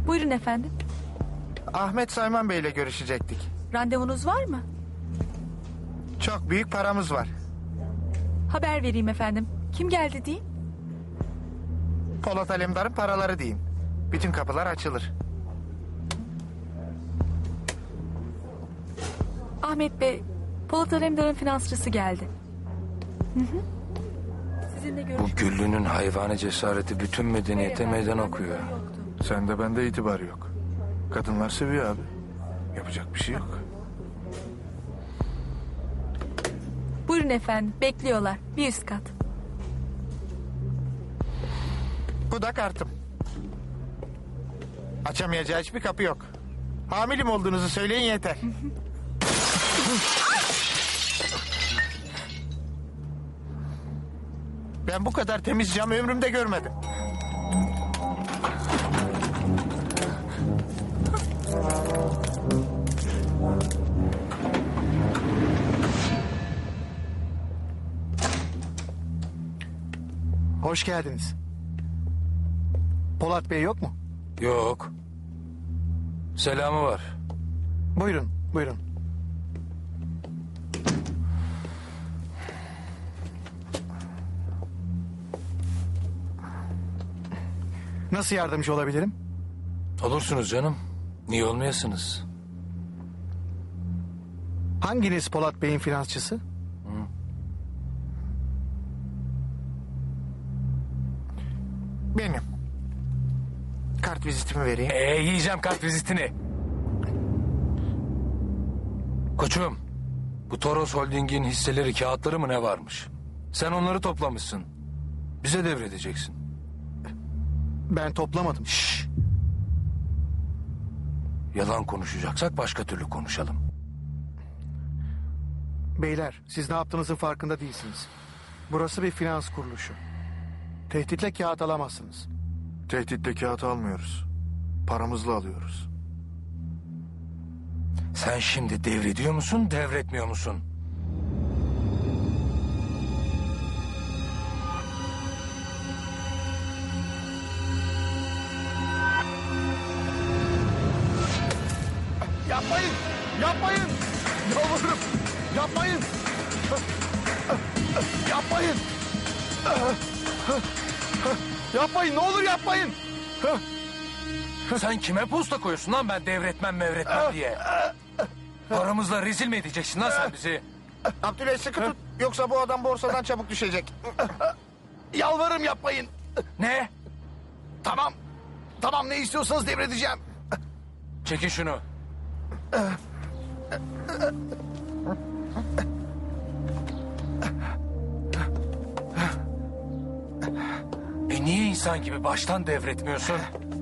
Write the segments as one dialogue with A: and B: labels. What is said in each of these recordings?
A: Buyurun efendim.
B: Ahmet Sayman Bey ile görüşecektik.
A: Randevunuz var mı?
B: Çok büyük paramız var.
A: Haber vereyim efendim. Kim geldi diyeyim?
B: Polat Alemdar'ın paraları diyeyim. Bütün kapılar açılır.
A: Ahmet Bey, Polat Alemdar'ın finansçısı geldi. Sizinle
C: Bu
A: görüşmek
C: Güllü'nün hayvani cesareti bütün medeniyete meydan okuyor.
B: Sende bende itibar yok. Kadınlar seviyor abi. Yapacak bir şey yok.
A: Buyurun efendim, bekliyorlar. Bir üst kat.
B: Bu da kartım. Açamayacağı hiçbir kapı yok. Hamilim olduğunuzu söyleyin yeter. Ben bu kadar temiz cam ömrümde görmedim.
D: Hoş geldiniz. Polat Bey yok mu?
C: Yok. Selamı var.
D: Buyurun, buyurun. Nasıl yardımcı olabilirim?
C: Olursunuz canım. Niye olmayasınız?
D: Hanginiz Polat Bey'in finansçısı?
B: Benim. Kart vizitimi vereyim.
C: Yiyeceğim kart vizitini. Koçum, bu Toros Holding'in hisseleri, kağıtları mı ne varmış? Sen onları toplamışsın. Bize devredeceksin.
D: Ben toplamadım.
C: Şşş. Yalan konuşacaksak başka türlü konuşalım.
D: Beyler, siz ne yaptığınızın farkında değilsiniz. Burası bir finans kuruluşu. Tehditle kağıt alamazsınız.
B: Tehditle kağıt almıyoruz. Paramızla alıyoruz.
C: Sen şimdi devrediyor musun, devretmiyor musun?
D: Yapmayın! Yapmayın! Yalvarırım! Yapmayın! Yapmayın! Yapmayın! Ne olur yapmayın!
C: Sen kime posta koyuyorsun lan ben devretmem mevretmem diye? Paramızla rezil mi edeceksin lan sen bizi?
B: Abdüley sıkı tut. Yoksa bu adam borsadan çabuk düşecek.
D: Yalvarırım yapmayın!
C: Ne?
D: Tamam. Tamam, ne istiyorsanız devredeceğim.
C: Çekin şunu. Niye insan gibi baştan devretmiyorsun?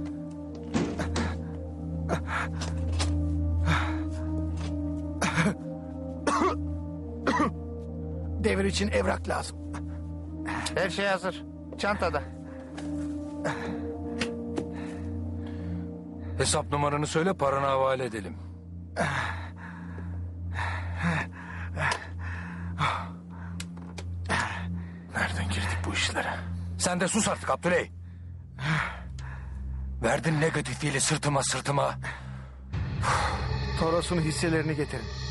D: Devir için evrak lazım.
B: Her şey hazır. Çantada.
C: Hesap numaranı söyle, paranı havale edelim. Nereden girdik bu işlere? Sen de sus artık Abdüley. Verdin negatifiyle sırtıma.
D: Toros'un hisselerini getirin.